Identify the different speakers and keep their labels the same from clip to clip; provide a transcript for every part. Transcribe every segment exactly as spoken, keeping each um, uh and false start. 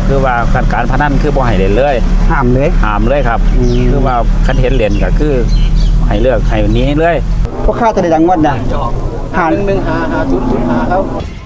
Speaker 1: คือว่าการการพนันคือบ่ให้เล่นเลย
Speaker 2: ห้ามเลย
Speaker 1: ห้ามเลยครับคือว่าคันเห็นเล่นก็คือให้เลือกให้หนีเลย
Speaker 2: พวกข้าจะได้ดังวัดนะ
Speaker 3: หาหนึ่งหนึ่งหาหาศูนย์ศูนย์หาครับ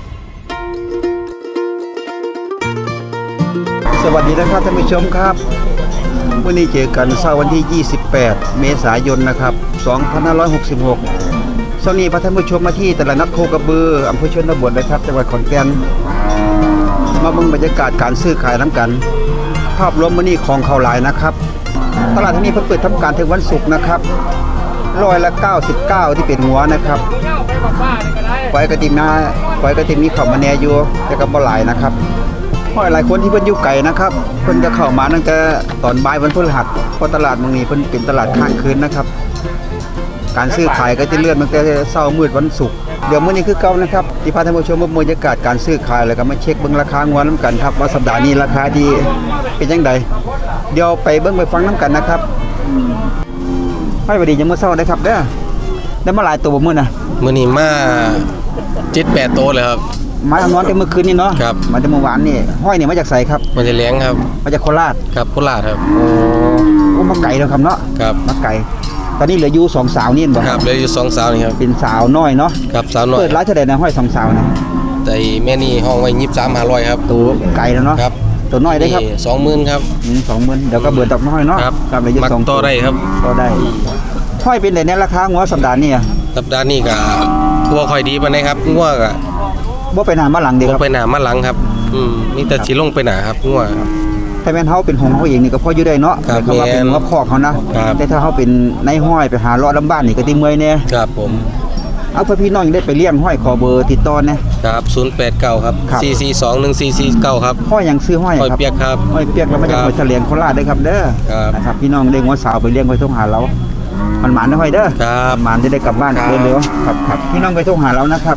Speaker 2: สวัสดีนะครับท่านผู้ชมครับวันนี้เจอกันเช้าวันที่ยี่สิบแปดเมษายนนะครับสองพันห้าร้อยหกสิบหกเช้านี้พาท่านผู้ชมมาที่ตลาดนัดโคกระบืออำเภอชนบทนะครับจังหวัดขอนแก่นมาเบิ่งบรรยากาศการซื้อขายน้ำกันภาพรวมวันนี้ของเขาหลายนะครับตลาดที่นี่เพิ่งเปิดทำการถึงวันศุกร์นะครับร้อยละเก้าสิบเก้าที่เป็นหัวนะครับปล่อยกระติมนาปล่อยกระติมนี้เข้ามาแน่อยู่แต่ก็บ่หลายนะครับเพราะหลายคนที่เพิ่นอยู่ไกลนะครับเพิ่นจะเข้ามาตั้งแต่ตอนบ่ายวันพฤหัสเพราะตลาดเมืองนี้เพิ่นเป็นตลาดข้างคืนนะครับการซื้อขายก็จะเลื่อนตั้งแต่เช้ามืดวันศุกร์เดี๋ยวมื้อนี้คือเก่านะครับที่พาท่านผู้ชมมาบรรยากาศการซื้อขายแล้วก็มาเช็คเบิ่งราคางวน้ำกันครับว่าสัปดาห์นี้ราคาดีเป็นจังไดเดี๋ยวไปเบิ่งไปฟังน้ำกันนะครับให้บ่ดีจังมื้อเช้าได้ครับเด้อได้มาหลายตัวบ่มื้อน่ะ
Speaker 4: มื้อนี้มาเจ็ดแปดโตเลยครับ
Speaker 2: มาทำนอนแต่เมื่อคืนนี่เนาะ
Speaker 4: ครับ
Speaker 2: มาแต่เมื่อวานนี่ห้อยนี่มาจากไสครับ
Speaker 4: มาจากเลี้ยงครับ
Speaker 2: มาจากโคราช
Speaker 4: ครับโคราชครับ
Speaker 2: โอ้โอ้มาไกลแล้วครับเนาะ
Speaker 4: ครับ
Speaker 2: มาไกลตอนนี้เหลืออยู่สองสาวนี่บ่
Speaker 4: ครับเหลืออยู่สองสาวนี่ครับ
Speaker 2: เป็นสาวน้อยเนาะ
Speaker 4: ครับสาวน้อย
Speaker 2: เปิดร้านเท่าใดนะห้อยสองสาวนะ
Speaker 4: แต่แม่นี่ห้องไว้ยี่สิบสามห้าร้อยครับ
Speaker 2: ตัวไกลแล้วเนาะ
Speaker 4: ครับ
Speaker 2: ตัวน้อยได้ครับ
Speaker 4: สองหมื่นครับ
Speaker 2: อืมสองหมื่นเดี๋ยวก็เบื่อตกน้อยเนาะ
Speaker 4: ครับ
Speaker 2: ครับเหลืออยู่สอง
Speaker 4: ต่อได้ครับ
Speaker 2: ต่อได้ห้อยเป็นไดในราคางัวสัปดาห์นี้อ่ะ
Speaker 4: สัปดาห์นี้ก็ทั่วค่อยดีปานใดครับงัวก็
Speaker 2: บ่ไปหน้ามาหลังเด้ครับ
Speaker 4: บ่ไปหน้ามาหลังครับอืมมีแต่สิลงไปหน้าครับงัว
Speaker 2: ถ้าแม่นเฮาเป็นของเฮาเองนี่ก็พออยู่ได้เนาะ
Speaker 4: แต่
Speaker 2: ว่าเป็นงัวคอกเขานะแต่ถ้าเฮาเป็นในห้อยไปหาเลาะลำบ้านนี่ก็สิเมื่อยแน่
Speaker 4: ครับผม
Speaker 2: เอาเพื่อพี่น้องได้ไปเลี้ยงห้อยขอเบอร์ติดต่อนะครับ
Speaker 4: ศูนย์แปดเก้าครับสี่สี่สองหนึ่งสี่สี่เก้าครับ
Speaker 2: ห้อยหยังซื้อห้อย
Speaker 4: ครับห้อยเปียกครับ
Speaker 2: ห้อยเปียกแล้วมาจากห้วยเฉลียงโคราชได้ครับเด้อนะครับพี่น้องได้งัวสาวไปเลี้ยงไว้ทุ่งหาเรามันหมานได้ห้อยเด้อ
Speaker 4: ครับ
Speaker 2: หมานจะได้กลับบ้านเร็วๆครับครับพี่น้องไปทุ่งหาเรานะครับ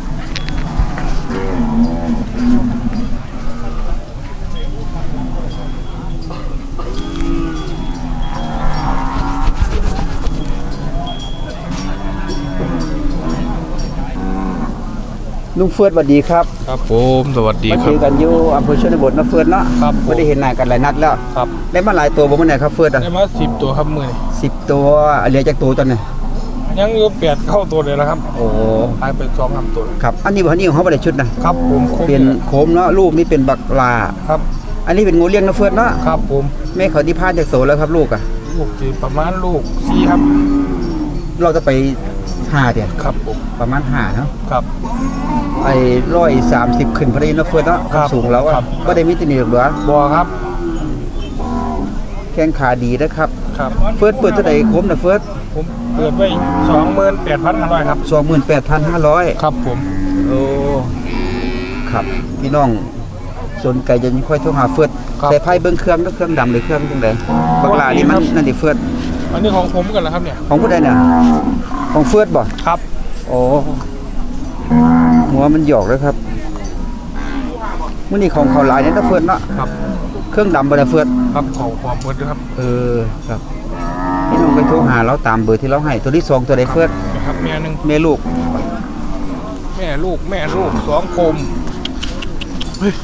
Speaker 2: ลุงเฟิร์สสวัสดีครับ
Speaker 4: ครับผมสวัสดีครับ
Speaker 2: มาเจอกันอยู่อำเภอชนบทนะเฟิร์สเนาะ
Speaker 4: ครับ
Speaker 2: ไม่ได้เห็นหน้ากันหลายนัดแล้ว
Speaker 4: ครับ
Speaker 2: ได้มาหลายตัวบ่มื้อไหนครับเฟิร์สอ่ะ
Speaker 4: ได้มาสิบตัวครับมื้อนี้
Speaker 2: สิบตัวเหลือจากตัวตอนนี้
Speaker 4: ยังอยู่แปดเข้าตัวเลยนะครับ
Speaker 2: โอ้
Speaker 4: ตายไปสองสามตัว
Speaker 2: ครับอันนี้บ่อันนี้ของเฮาบ่ได้ชุดนะครับ
Speaker 4: ผม
Speaker 2: เป็นโคมเนาะลูกนี่เป็นบักลา
Speaker 4: ครับ
Speaker 2: อันนี้เป็นงูเลี้ยงนะเฟิร์สเนาะ
Speaker 4: ครับผม
Speaker 2: แม่เขาที่พาจากโตแล้วครับลูกอ่ะ
Speaker 4: ลูกสิประมาณลูกสี่ครับ
Speaker 2: เราจะไปห้าเด้อ
Speaker 4: ครับผม
Speaker 2: ประมาณห้าเนาะ
Speaker 4: ครับ
Speaker 2: ไอ้หนึ่งร้อยสามสิบขึ้นพอดีนะเฟิร์สเนาะสูงแล้วอ่ะบ่ได้มีตำหนิหรอกเหรอ
Speaker 4: บ่ครับ
Speaker 2: แข้งขาดีนะครับ
Speaker 4: ครับ
Speaker 2: เฟิร์สเปิดเท่าใดโคมนะเฟิร์ส
Speaker 4: ผมเปิดไว้ สองหมื่นแปดพันห้าร้อย ครับ
Speaker 2: สองหมื่นแปดพันห้าร้อย
Speaker 4: ครับผม
Speaker 2: โอ้ครับพี่น้องสนใจจะค่อยโทรหาเฟิร์สแต่ไพ่เบิ่งเครื่องก็เครื่องดำหรือเครื่องจังได๋บักหลานี่มันนั่นดิเฟิร์ส
Speaker 4: อันนี้ของผมกันเหรอครับเนี่ย
Speaker 2: ของผู้ใดเนี่ยของเฟิร์สบ่
Speaker 4: ครับ
Speaker 2: โอ้หัวมันหยอกเลยครับมื้อนี้ของเขาหลายเนี่ยนะเฟิร์สเนาะ
Speaker 4: ครับ
Speaker 2: เครื่องดำบ่ได้เฟิร์ส
Speaker 4: ครับของความเฟิร์สครับ
Speaker 2: เออครับพี่น้องไปโทรหาเราตามเบอร์ที่เราให้ตัวที่สองตัวใดเฟิร์ส
Speaker 4: ครับแม่นึง
Speaker 2: แม่ลูก
Speaker 4: แม่ลูกแม่ลูกสองคมเฮ้ย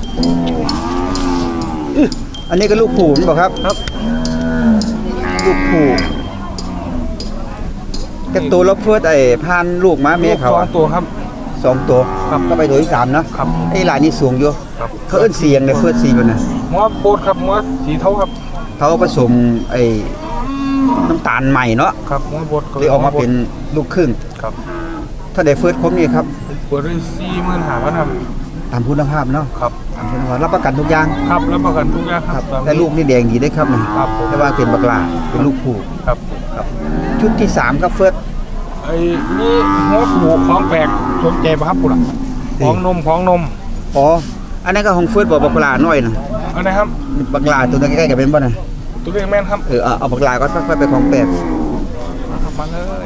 Speaker 2: อันนี้ก็ลูกผู้มันบ่ครับ
Speaker 4: ครับ
Speaker 2: ลูกผู้กับตัวเราเฟิร์สไอ้พานลูกมาแม่เขา
Speaker 4: สองตัวครับ
Speaker 2: สองตัว
Speaker 4: ครับ
Speaker 2: ก็ไปตัวที่สามเนาะ
Speaker 4: ครับ
Speaker 2: ไอ้หลายนี่สูงอยู่เขาเอิ้นเสียงเลยเฟิร์สสีมันน่ะ
Speaker 4: หัวโบดครับหัวสีเทาครับ
Speaker 2: เขาผสมไอ้น้ำตาลใหม่เนาะ
Speaker 4: ครับหัวโบด
Speaker 2: เลยออกมาเป็นลูกครึ่ง
Speaker 4: ครับ
Speaker 2: ถ้าได้เฟิร์สครบนี่ครับ
Speaker 4: เปิดได้ สี่หมื่นห้าพัน ครับ
Speaker 2: ตามคุณภาพเนาะ
Speaker 4: ครับ
Speaker 2: ตามคุณภาพรับประกันทุกอย่าง
Speaker 4: ครับรับประกันทุกอย่างครับ
Speaker 2: แต่ลูกนี่แดงดีได้ครับนี่
Speaker 4: ครับ
Speaker 2: แต่ว่าเป็นบักหลาเป็นลูกผู้
Speaker 4: ครับ
Speaker 2: ครับชุดที่สามครับเฟิร์ส
Speaker 4: ไอ้นี่หัวผูของแปลกสนใจป่ะครับปุ๊ล่ะของนมของนม
Speaker 2: อ๋ออันนั้นก็ของเฟิร์สบ่บักหลาน้อยนะ
Speaker 4: อันไหนครับ
Speaker 2: บักหลาตัวใกล้ๆกับเป็นบ่น่ะ
Speaker 4: ตัวเล็กแม่นครับ
Speaker 2: เออเอาบักหลาก็ค่อยๆไปของแปลก
Speaker 4: มาเลย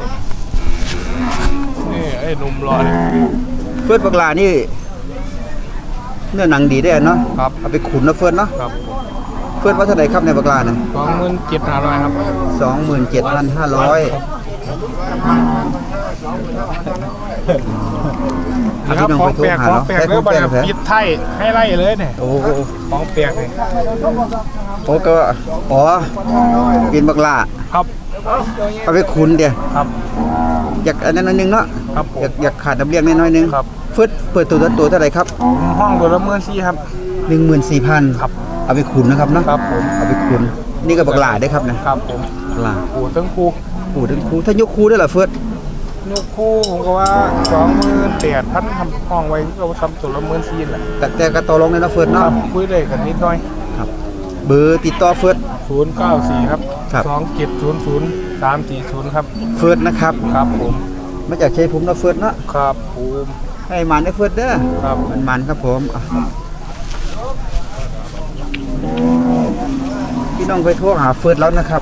Speaker 4: นี่ไอ้นมรอเนี่ย
Speaker 2: เฟิร์สบักหลานี่เนื้อหนังดีได้เนาะ
Speaker 4: ครับ
Speaker 2: เอาไปขุนนะเฟิร์สเนาะ
Speaker 4: ครับ
Speaker 2: เฟิร์สว่าเท่าไหร่ครับในบักหลาเนี่ย
Speaker 4: สองหมื่นเจ็ดพันห้าร้อยครับ
Speaker 2: สองหมื่นเจ็ดพันห้าร้อย
Speaker 4: นะครับของแปลกของแปลกเลยบริษัทปิดไทยให้ไล่เลยเนี่ย
Speaker 2: โอ้
Speaker 4: ของแปลกเลย
Speaker 2: โอ้ก็อ๋อกินบักล่า
Speaker 4: ครับ
Speaker 2: เอาไปขุนเดียว
Speaker 4: ครับ
Speaker 2: อยากอันนั้นอันนึงเนาะ
Speaker 4: ครับผม
Speaker 2: อยากอยากขาดน้ำเลี้ยงน้อยๆนึง
Speaker 4: ครับ
Speaker 2: ฟึดเปิดตัวตัวเท่าไหร่ครับ
Speaker 4: ห้องตัวละเมื่อซี่ครับ
Speaker 2: หนึ่งหมื่นสี่พัน
Speaker 4: ครับ
Speaker 2: เอาไปขุนนะครับเนาะ
Speaker 4: ครับผม
Speaker 2: เอาไปขุนนี่ก็บักล่าได้ครับนะครับ
Speaker 4: ผม
Speaker 2: บักล่า
Speaker 4: ปูตั้งคู
Speaker 2: โอ้ถึงครูถ้ายกครูได้เหรอเฟิร์ส
Speaker 4: ลูกคู่ผมก็ว่าสองหมื่นแปดพันทำห้องไว้ก็ทำตัวละเมื่อซี่แหละ
Speaker 2: แต่แต่ก็ต่อรองในนะเฟิร์ส
Speaker 4: ค
Speaker 2: เนาะ
Speaker 4: รับคุยได้กันนิดหน่อย
Speaker 2: ครับเบอร์ติดต่อเฟิร์ส
Speaker 4: ศูนย์เก้าสี่ครับ
Speaker 2: ครับ
Speaker 4: สองเจ็ดศูนย์ศูนย์สามสี่ศูนย์ครับ
Speaker 2: เฟิร์สนะครับ
Speaker 4: ครับผม
Speaker 2: มาจากชัยภูมินะเฟิร์สเนาะ
Speaker 4: ครับผม
Speaker 2: ให้มันได้เฟิร์สเด้อ
Speaker 4: ครับ
Speaker 2: มันมันครับผมอ่ะพี่น้องไปโทรหาเฟิร์สแล้วนะครับ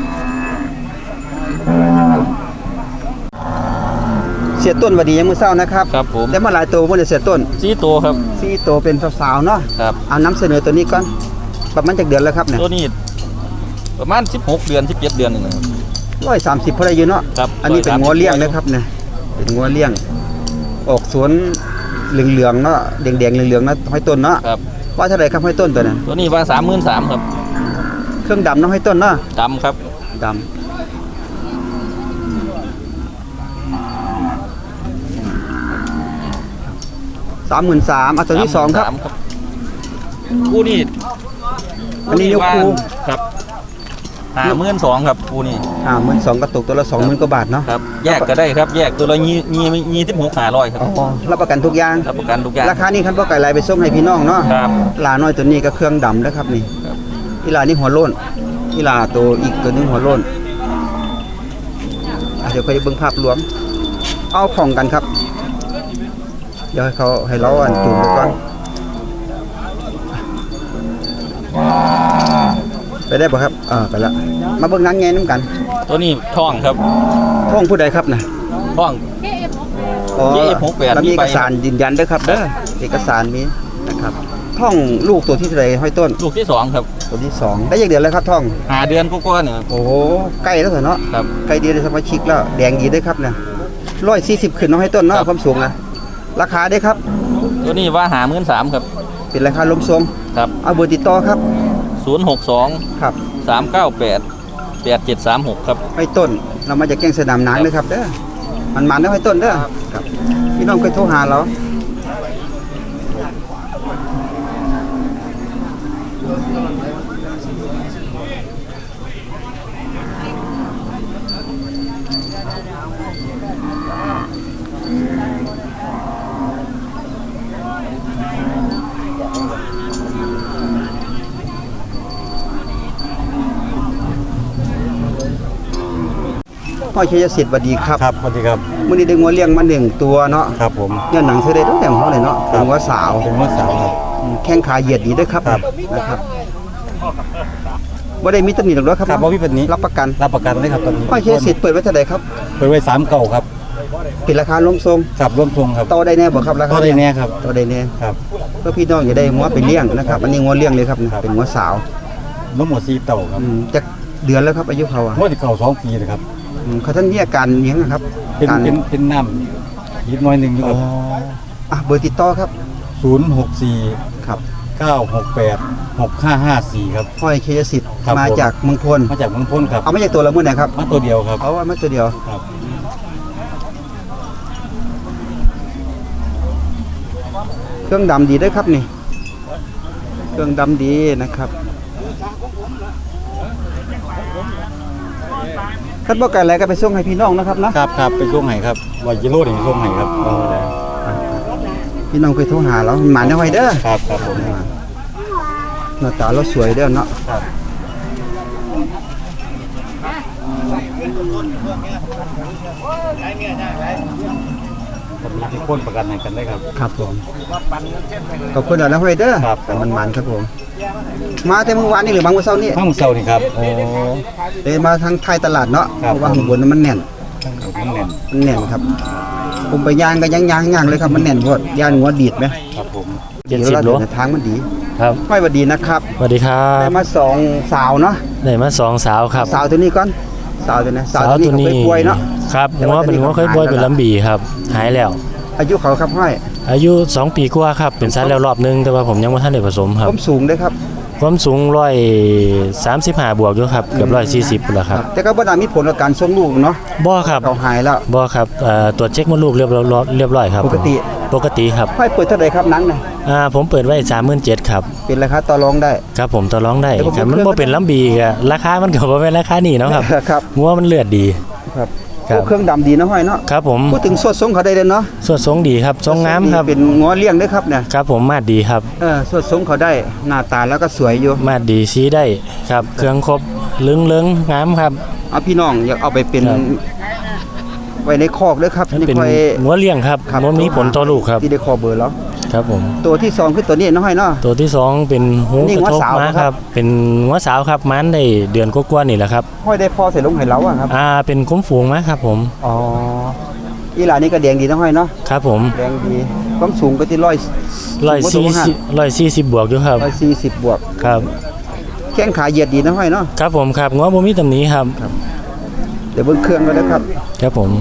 Speaker 2: เสียต้นหวัดดียังมือเศร้านะครับ
Speaker 1: ครับผม
Speaker 2: ได้มาหลายตัวบ่ได้เสียต้น
Speaker 1: สี่ตัวครับ
Speaker 2: สี่ตัวเป็นสาวๆเนาะ
Speaker 1: ครับ
Speaker 2: เอานำเสนอตัวนี้ก่อนประมาณจากเดือนแล้วครับเนี่ย
Speaker 1: ตัวนี้ประมาณสิบหกเดือนสิบเจ็ดเดือนนึงนะครับ
Speaker 2: ร้อยสามสิบพอได้อยู่เนาะ
Speaker 1: ครับ
Speaker 2: อันนี้เป็นงัวเลี้ยงนะครับเนี่ยเป็นงัวเลี้ยง ออกสวนเหลืองๆเนาะแดงๆเหลืองๆนะห้อยต้นเนาะ
Speaker 1: ครับ
Speaker 2: ว่าเท่าไหร่ครับห้อยต้นตัวนั้น
Speaker 1: ตัวนี้ว่าสามหมื่นสามครับ
Speaker 2: เครื่องดำเนาะห้อยต้นเนาะ
Speaker 1: ดำครับ
Speaker 2: ดำสามหมื่นสามเอาตัวที่สองครับ
Speaker 1: สามครับคู่นี้
Speaker 2: อันนี้ยกคู่
Speaker 1: ครับห้าหมื่นสองครับคู่นี้
Speaker 2: อ่าหมื่นสองกระตุกตัวละสองหมื่นกว่าบาทเนาะ
Speaker 1: ครับแยกก็ได้ครับแยกตัวละยี่ยี่ยี่สิบหกห้าร้อยครับ
Speaker 2: อ๋อรับประกันทุกอย่าง
Speaker 1: รับประกันทุกอย่าง
Speaker 2: ราคานี้คันบ่ไก่ลายไปส่งให้พี่น้องเนาะ
Speaker 1: ครับ
Speaker 2: ลาน้อยตัวนี้ก็เครื่องดำนะครับนี่
Speaker 1: ครับ
Speaker 2: อีลานี่หัวโล้นอีลาตัวอีกตัวหนึงหัวโล้นอ่ะเดี๋ยวไปเบิ่งภาพรวม เอาของกันครับ เดี๋ยวให้เขาให้เราอันจูงไปก่อนไปได้ป่ะครับอ่าไปละมาเบิ่งนางแงน้ำกัน
Speaker 1: ตัวนี้ท่องครับ
Speaker 2: ท้องผู้ใดครับนะ
Speaker 1: ท่อง
Speaker 2: อ๋อ
Speaker 1: เอฟหกแปด
Speaker 2: แล้วมี
Speaker 1: มี
Speaker 2: เอ
Speaker 1: ใบ
Speaker 2: กสารยืนยันด้วยครับเด้อเอกสารมีนะครับท้องลูกตัวที่เท่าไหร่ห้อยต้น
Speaker 1: ลูกที่สองครับ
Speaker 2: ตัวที่สองได้ยังเดือนแล้วครับท้อง
Speaker 1: หาเดือนกว่าๆเนี่ย
Speaker 2: โอ้โหใกล้แล้วเหรอเนาะ
Speaker 1: ครับ
Speaker 2: ใกล้เดียวได้สมาชิกแล้วแดงดีด้วยครับเนี่ยร้อยสี่สิบขึ้นน้องให้ต้นเนาะ
Speaker 1: ครับ
Speaker 2: ความสูงนะราคาได้ครับ
Speaker 1: ตัวนี้ว่าหาหมื่นสามครับ
Speaker 2: เป็นราคาล้มทรง
Speaker 1: ครับ
Speaker 2: เอาเบอร์ติดต่อครับ
Speaker 1: ศูนย์หกสอง
Speaker 2: ครับ
Speaker 1: สามเก้าแปดแปดเจ็ดสามหกครับ
Speaker 2: ให้ต้นเรามาจากแก้งสนามนางเลยครับเด้อมันมันแล้วให้ต้นเด้อครับพี่น้องเคยโทรหาเราพ่อชัยสิทธิ์สวัสดีครับ
Speaker 5: ครับสวัสดีครับ
Speaker 2: มื้อนี้ได้งัวเลี้ยงมาหนึ่งตัวเนาะ
Speaker 5: ครับผม
Speaker 2: เนี่ยหนังเสื้อได้ตั้งแต่หัวเลยเนาะเป็นงัวสาว
Speaker 5: เป็นมดสาวครับ
Speaker 2: อืมแข้งขาเหยียดดีด้วยครับ
Speaker 5: ครับ
Speaker 2: นะครับบ่ได้มีตำหนิหรอกเนาะครับ
Speaker 5: ครับว่าพี่เป็นนี้
Speaker 2: รับประกัน
Speaker 5: รับประกันได้ครับตอนนี้
Speaker 2: พ่อชัยสิทธิ์เปิดไว้เท่าใดครับ
Speaker 5: เปิดไว้สามเก่าครับ
Speaker 2: เป็นราคาล้มทรง
Speaker 5: ครับร่วมทรงครับ
Speaker 2: ต่อได้แน่บ่ครับราคา
Speaker 5: ก็ได้แน่ครับ
Speaker 2: ต่อได้แน่
Speaker 5: ครับ
Speaker 2: เพื่อพี่น้องจะได้งัวไปเลี้ยงนะครับ อันนี้งัวเลี้ยงเลยครับ
Speaker 5: ครับ
Speaker 2: เป็นงัวสาว
Speaker 5: ร่วมหมดสี่เต่าครับ
Speaker 2: อืมจักเดือนแล้วครับอายุเขาอ่ะ
Speaker 5: งวดที่เก่าสองปีนะครับ
Speaker 2: อืมเขาท่านมีอาการอิหยังนะครับ
Speaker 5: เป็น
Speaker 2: การ
Speaker 5: เป็นเป็นน้ำยิดน้อยหนึ่งอยู่
Speaker 2: อ๋
Speaker 5: ค
Speaker 2: อ
Speaker 5: รับ
Speaker 2: อ่ะเบอร์ติดต่อครับ
Speaker 5: ศูนย์หกสี่
Speaker 2: ครับ
Speaker 5: เก้าหกแปดหกห้าห้าสี่ครับ
Speaker 2: ห้อยเคยสิทธิ์
Speaker 5: ครับ
Speaker 2: มา
Speaker 5: ผม
Speaker 2: จากเมืองพล
Speaker 5: มาจากเมืองพ้นครับ
Speaker 2: เอามาจากตัวละมื้อไหนครับ
Speaker 5: มาตัวเดียวครับ
Speaker 2: เอาว่ามาตัวเดียว
Speaker 5: ครับ
Speaker 2: เครื่องดำดีด้วยครับนี่ เครื่องดำดีนะครับคันบ่ไก่อะไรก็ไปส่งให้พี่น้องนะครับนะครับ
Speaker 5: ครับไปช่วงไหนครับวายกิโลถึงช่วงไหนครับ
Speaker 2: พี่น้องเคยโทรหาเราหมาได้ไว้เด้อ
Speaker 5: ครับครับผม
Speaker 2: หน้าตาเราสวยเด้อเนาะ
Speaker 5: ครับผมมีที่พ้นประกันให้กันได้ครับ
Speaker 2: ครับผมขอบคุณแล้วนะไว้เด้อ
Speaker 5: ครับ
Speaker 2: แต่มันมันครับผม มาแต่เมื่อวานนี่หรือบางวันเสาร์นี่
Speaker 5: ข้างเสานี่ครับโอ้
Speaker 2: เดินมาทางไทยตลาดเนาะ
Speaker 5: ครั
Speaker 2: เพ
Speaker 5: บ
Speaker 2: ราะว่าข้างบนนั้นมันแน่น
Speaker 5: ข้างข้างแน่น
Speaker 2: มันแน่นครับ ผมไปย่างก็ย่างย่างย่างเลยครับมันแน่นโพดย่างหัวดีดไหม
Speaker 5: ครับผม
Speaker 2: เดี๋ยวเราเดินทางมันดี
Speaker 6: ครับ
Speaker 2: ห้อยหวัดดีนะครับ
Speaker 6: สวัสดีครั
Speaker 2: ได้
Speaker 6: บ
Speaker 2: มาสองสาวเนาะ
Speaker 6: ได้มาสองสาวครับ
Speaker 2: สาวตัวนี้ก่อนสาวตัวนี้สา
Speaker 6: สาว ว
Speaker 2: ตั
Speaker 6: ตัว ว
Speaker 2: นี้
Speaker 6: นี้
Speaker 2: เขาเคยป่วยเนาะ
Speaker 6: ครับ
Speaker 2: แต่
Speaker 6: หัว
Speaker 2: ว่า
Speaker 6: เป็นหัว
Speaker 2: ตัวนี้
Speaker 6: เคยป่วย
Speaker 2: หาย
Speaker 6: เป็น
Speaker 2: แล้ว
Speaker 6: ลำบีครับหายแล้ว
Speaker 2: อายุเขาครับห้อย
Speaker 6: อายุสองปีกว่าครับเป็นสัตว์แล้วรอบนึงแต่ว่าผมยังบ่ทันได้ผสมครับ
Speaker 2: ผมสูงด้วยครับ
Speaker 6: ความสูงหนึ่งร้อยสามสิบห้าบวกอยู่ครับเกือบหนึ่งร้อยสี่สิบพุ่นล่ะครับ
Speaker 2: แต่ก็บ่ได้มีผลกับการส่งลูกเนาะ
Speaker 6: บ่ครับ
Speaker 2: เขาหายแล้ว
Speaker 6: บ่ครับเอ่อตรวจเช็คมดลูกเรียบร้อยเรียบร้อยครับ
Speaker 2: ปกติ
Speaker 6: ปกติครับ
Speaker 2: ห้อยเปิดเท่าไหร่ครับหนังน่ะ
Speaker 6: อ่าผมเปิดไว้ สามหมื่นเจ็ดพัน ครับ
Speaker 2: เป็นราคาต่อรองได้
Speaker 6: ครับผมต่อรองได้
Speaker 2: แต่ผม
Speaker 6: ครับมัน
Speaker 2: เคย
Speaker 6: บ่เป็นลำบีก็ราคามันก็บ่แม่นราคานี้เนาะครับ
Speaker 2: ครับ
Speaker 6: หัวมันเลือดดี
Speaker 2: ครับ
Speaker 6: ครับ
Speaker 2: โอ้เครื่องดำดีนะห้อยเนาะ
Speaker 6: ครับผม
Speaker 2: พูดถึงสวดทรงเขาได้เลยเนาะ
Speaker 6: สวดทรงดีครับทรงงามครับ
Speaker 2: เป็นงัวเลี้ยงด้วยครับเนี่ย
Speaker 6: ครับผมมาดดีครับ
Speaker 2: เออสวดทรงเขาได้หน้าตาแล้วก็สวยอยู่
Speaker 6: มาดดีชี้ได้ครับเครื่องครบลึงเลิงงามครับ
Speaker 2: เอาพี่น้องอยากเอาไปเป็น
Speaker 6: ครับ
Speaker 2: ไว้ในคอกด้วยครับ
Speaker 6: มัน
Speaker 2: นี่
Speaker 6: เป็น
Speaker 2: ค่อย
Speaker 6: หัวเลี้ยงครับ
Speaker 2: ครับ
Speaker 6: มันมีผลต่อลูกครับ
Speaker 2: ที่ได้คอเบอร์แล้ว
Speaker 6: ครับผม
Speaker 2: ตัวที่สองคือตัวนี้น้อยเนาะ
Speaker 6: ตัวที่สองเป็นหู
Speaker 2: นี่
Speaker 6: กระทบ
Speaker 2: หัวสาว
Speaker 6: ม้า
Speaker 2: ค
Speaker 6: ค
Speaker 2: รั
Speaker 6: รับ บเป็นหัวสาวครับมันได้เดือนกว่าๆนี่แหละครับ
Speaker 2: ห้อยได้พอใส่ลงให้เราอะครับ
Speaker 6: อ่าเป็นคุ้มฝูงม้าครับผม
Speaker 2: อ๋ออีหลานนี่ก็แดงดีนะห้อยเนาะ
Speaker 6: ครับผม
Speaker 2: แดงดีความสูงก็ที่ร้อย
Speaker 6: ร้อยสี่สิบร้อยสี่สิบบวกอยู่ครับ
Speaker 2: ร้อยสี่สิบบวก
Speaker 6: ครับ
Speaker 2: แข้งขาเหยียดดีนะห้อยเนาะ
Speaker 6: ครับผมครับง้อบ่มีตำหนี้ครับ
Speaker 2: เดี๋ยวเบิ่งเครื่องก็ได้ครับ
Speaker 6: ครับผม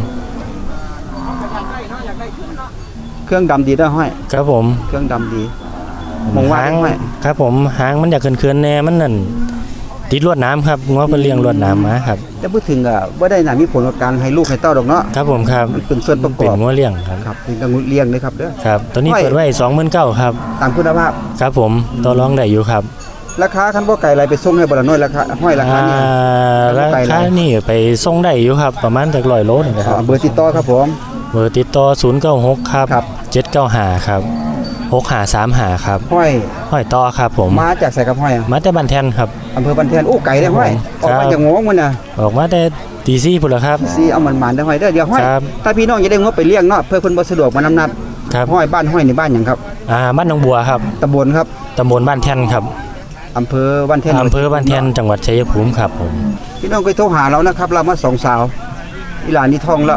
Speaker 2: เครื่องดำดีนะห้อย
Speaker 6: ครับผม
Speaker 2: เครื่องดำดีมองว่า
Speaker 6: หาง
Speaker 2: ได้ห้อย
Speaker 6: ครับผมหางมันอยากเขื่อนๆแน่มันนั่นติดลวดน้ำครับง้อเป็นเลี้ยงลวดน้ำมาครับ
Speaker 2: แต่พูดถึงอ่ะบ่ได้น่ะมีผลกับการให้ลูกให้เต้าดอกเนาะ
Speaker 6: ครับผมครับ
Speaker 2: มันเป็นส่วนประก
Speaker 6: เป็น
Speaker 2: อบ
Speaker 6: ง้อเลี้ยงครับ
Speaker 2: ครับเป็นกังวลเลี้ยงเลยครับเด้อ
Speaker 6: ครับตัวนี้
Speaker 2: ห้อย
Speaker 6: เปิดไว้สองหมื่นเก้าครับ
Speaker 2: ตามคุณภาพ
Speaker 6: ครับผมต่อรองได้อยู่ครับ
Speaker 2: ราคาคันบ่ไก่อะไรไปส่งให้บ่ละน้อยราคาห้อยราคานี่
Speaker 6: อ่ารา
Speaker 2: ไปเลย
Speaker 6: คานี่ไปส่งได้อยู่ครับ ประมาณจากร้อยโลนี่นะค
Speaker 2: อ่า
Speaker 6: รับ
Speaker 2: เบอร์ติดต่อครับผม
Speaker 6: เบอร์ติดต่อศูนย์เก้าหกครับ
Speaker 2: ครับ
Speaker 6: เจ็ดเก้าห้าครับหกห้าสามห้าครับ
Speaker 2: ห้อย
Speaker 6: ห้อยต่อครับผม
Speaker 2: มาจากใส่กับห้อยอ่ะ
Speaker 6: มาแต่บ้านแทนครับ
Speaker 2: อำเภอบันแทนโอ้ไก่ได้ห้อยออกมาจากงวงมันน่ะ
Speaker 6: ออกมาแต่ตีซี่พุ่นละครับ
Speaker 2: สิเอามันมันได้ห้อยเด้อเดี๋ยวห้อย
Speaker 6: ครับ
Speaker 2: ถ้าพี่น้องอยากได้งวไปเลี้ยงเนาะเพื่อเพิ่นบ่สะดวกมานำนัด
Speaker 6: ครับ
Speaker 2: ห้อยบ้านห้อยในบ้านหยังครับ
Speaker 6: อ่าบ้านหนองบัวครับ
Speaker 2: ตำบลครับ
Speaker 6: ตำบลบ้านแทนครับ
Speaker 2: อำเภอบ้านแทน
Speaker 6: อำเภอบ้านแทนจังหวัดชัยภูมิครับผม
Speaker 2: พี่น้องก็โทรหาเรานะครับ เรามาสองสาวอีหลานนี่ท้องแล้ว